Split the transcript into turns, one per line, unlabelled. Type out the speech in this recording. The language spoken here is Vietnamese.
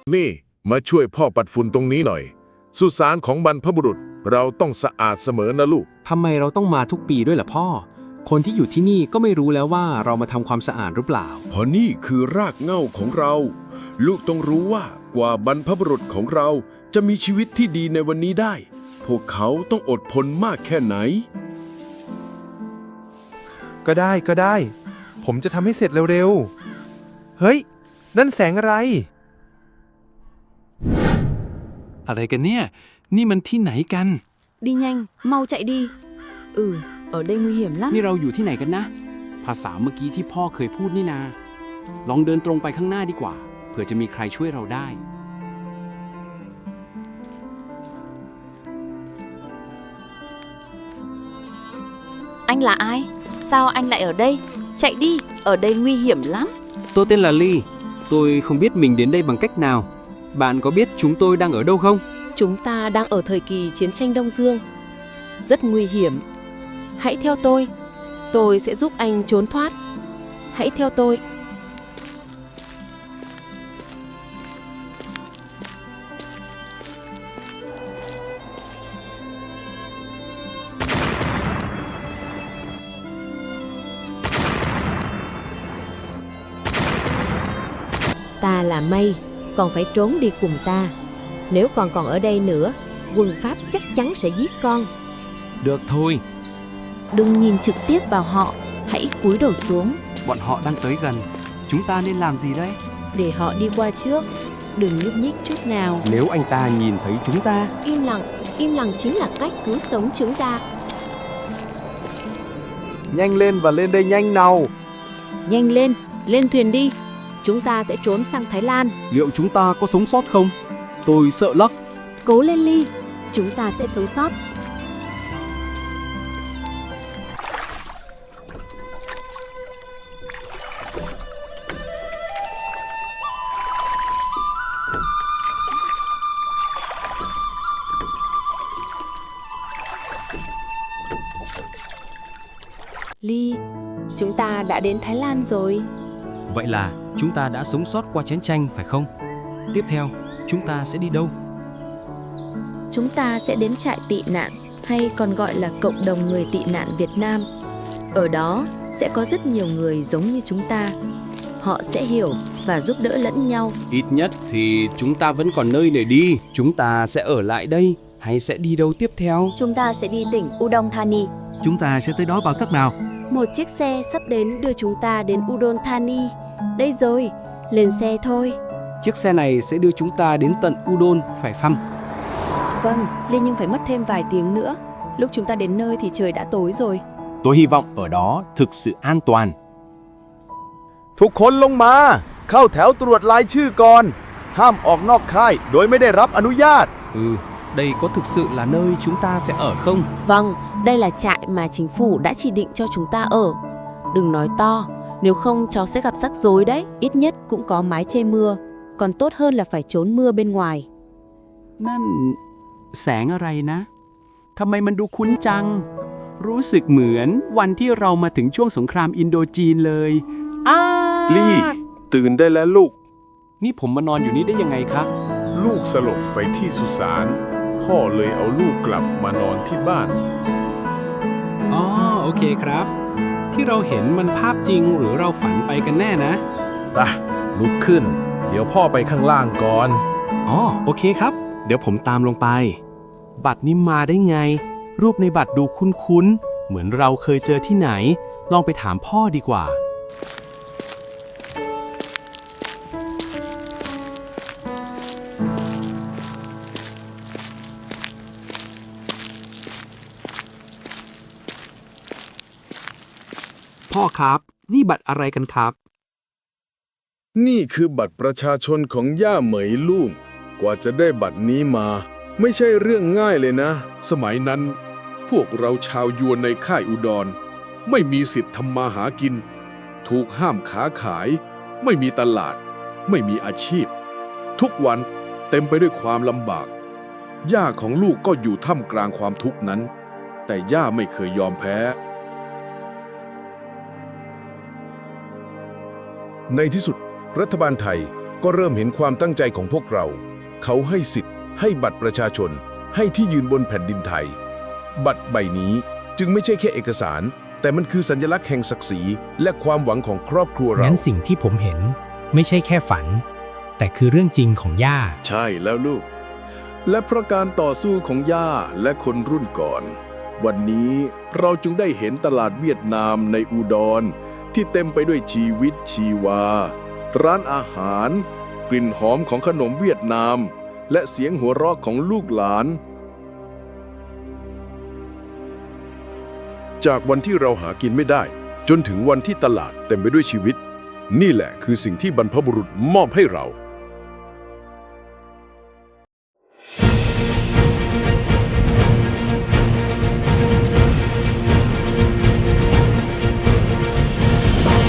นี่มาช่วยพ่อปัดฝุ่นตรงนี้หน่อยสุสานของบรรพบุรุษเราต้องสะอาดเสมอนะลูก
ทำไมเราต้องมาทุกปีด้วยล่ะพ่อ คนที่อยู่ที่นี่ก็ไม่รู้แล้วว่าเรามาทำความสะอาดหรือเปล่า
เพราะนี่คือรากเหง้าของเรา ลูกต้องรู้ว่ากว่าบรรพบุรุษของเราจะมีชีวิตที่ดีในวันนี้ได้ พวกเขาต้องอดทนมากแค่ไหน
ก็ได้ ผมจะทำให้เสร็จเร็วๆ เฮ้ย นั่นแสงอะไร
อะไรกันเนี่ย นี่มันที่ไหนกัน
Đi nhanh, mau chạy đi. Ở đây nguy hiểm lắm.
นี่เราอยู่ที่ไหนกันนะ ภาษาเมื่อกี้ที่พ่อเคยพูดนี่นา ลองเดินตรงไปข้างหน้าดีกว่า เผื่อจะมีใครช่วยเราได้
Anh là ai? Sao anh lại ở đây? Chạy đi, ở đây nguy hiểm lắm.
Tôi tên là Ly. Tôi không biết mình đến đây bằng cách nào. Bạn có biết chúng tôi đang ở đâu không?
Chúng ta đang ở thời kỳ chiến tranh Đông Dương. Rất nguy hiểm. Hãy theo tôi sẽ giúp anh trốn thoát. Hãy theo tôi.
Ta là Mây, con phải trốn đi cùng ta. Nếu con còn ở đây nữa, quân Pháp chắc chắn sẽ giết con.
Được thôi.
Đừng nhìn trực tiếp vào họ, hãy cúi đầu xuống.
Bọn họ đang tới gần. Chúng ta nên làm gì đây?
Để họ đi qua trước. Đừng nhúc nhích chút nào.
Nếu anh ta nhìn thấy chúng ta,
Im lặng chính là cách cứu sống chúng ta.
Nhanh lên và lên đây nhanh nào.
Nhanh lên, lên thuyền đi. Chúng ta sẽ trốn sang Thái Lan.
liệu chúng ta có sống sót không? Tôi sợ lắm.
Cố lên Ly, chúng ta sẽ sống sót.
Ly, chúng ta đã đến Thái Lan rồi.
Vậy là chúng ta đã sống sót qua chiến tranh phải không? Tiếp theo, chúng ta sẽ đi đâu?
Chúng ta sẽ đến trại tị nạn, hay còn gọi là cộng đồng người tị nạn Việt Nam. Ở đó sẽ có rất nhiều người giống như chúng ta. Họ sẽ hiểu và giúp đỡ lẫn nhau.
Ít nhất thì chúng ta vẫn còn nơi để đi. Chúng ta sẽ ở lại đây hay sẽ đi đâu tiếp theo?
Chúng ta sẽ đi tỉnh Udon Thani.
Chúng ta sẽ tới đó bằng cách nào?
Một chiếc xe sắp đến đưa chúng ta đến Udon Thani. Đây rồi, lên xe thôi.
Chiếc xe này sẽ đưa chúng ta đến tận Udon, phải không?
Vâng, Ly nhưng phải mất thêm vài tiếng nữa. Lúc chúng ta đến nơi thì trời đã tối rồi.
Tôi hy vọng ở đó thực sự an toàn.
ทุกคนลงมา เข้าแถวตรวจรายชื่อก่อน ห้ามออกนอกค่ายโดยไม่ได้รับอนุญาต
Đây có thực sự là nơi chúng ta sẽ ở không?
Vâng, đây là trại mà chính phủ đã chỉ định cho chúng ta ở. Đừng nói to, nếu không cháu sẽ gặp rắc rối đấy.
Ít nhất cũng có mái che mưa. Còn tốt hơn là phải trốn mưa bên ngoài.
นั่นแสงอะไรนะ ทำไมมันดูคุ้นจัง รู้สึกเหมือนวันที่เรามาถึงช่วงสงครามอินโดจีนเลย
ลี่ตื่นได้แล้วลูก
นี่ผมมานอนอยู่นี่ได้ยังไงครับ
ลูกสลบไปที่สุสานพ่อเลยเอาลูกกลับมานอนที่บ้าน
อ๋อ โอเคครับ ที่เราเห็นมันภาพจริงหรือเราฝันไปกันแน่นะ
ลุกขึ้น เดี๋ยวพ่อไปข้างล่างก่อน
อ๋อ โอเคครับ เดี๋ยวผมตามลงไป บัตรนี้มาได้ไง รูปในบัตรดูคุ้นๆ เหมือนเราเคยเจอที่ไหน ลองไปถามพ่อดีกว่า พ่อครับ นี่บัตรอะไรกันครับ
นี่คือบัตรประชาชนของย่าเหมยลูกกว่าจะได้บัตรนี้มา ไม่ใช่เรื่องง่ายเลยนะ สมัยนั้นพวกเราชาวยวนในค่ายอุดรไม่มีสิทธิ์ทำมาหากิน ถูกห้ามค้าขาย ไม่มีตลาด ไม่มีอาชีพ ทุกวันเต็มไปด้วยความลำบาก ย่าของลูกก็อยู่ท่ามกลางความทุกข์นั้น แต่ย่าไม่เคยยอมแพ้ ในที่สุดรัฐบาลไทย
ก็เริ่มเห็นความตั้งใจของพวกเรา เขาให้สิทธิ์ให้บัตรประชาชน ให้ที่ยืนบนแผ่นดินไทย บัตรใบนี้จึงไม่ใช่แค่เอกสาร แต่มันคือสัญลักษณ์แห่งศักดิ์ศรีและความหวังของครอบครัวเรา
งั้นสิ่งที่ผมเห็นไม่ใช่แค่ฝัน แต่คือเรื่องจริงของย่า
ใช่แล้วลูก และเพราะการต่อสู้ของย่าและคนรุ่นก่อน วันนี้เราจึงได้เห็นตลาดเวียดนามในอุดรที่เต็มไปด้วยชีวิตชีวา ร้านอาหาร กลิ่นหอมของขนมเวียดนาม และเสียงหัวเราะของลูกหลาน จากวันที่เราหากินไม่ได้ จนถึงวันที่ตลาดเต็มไปด้วยชีวิต นี่แหละคือสิ่งที่บรรพบุรุษมอบให้เรา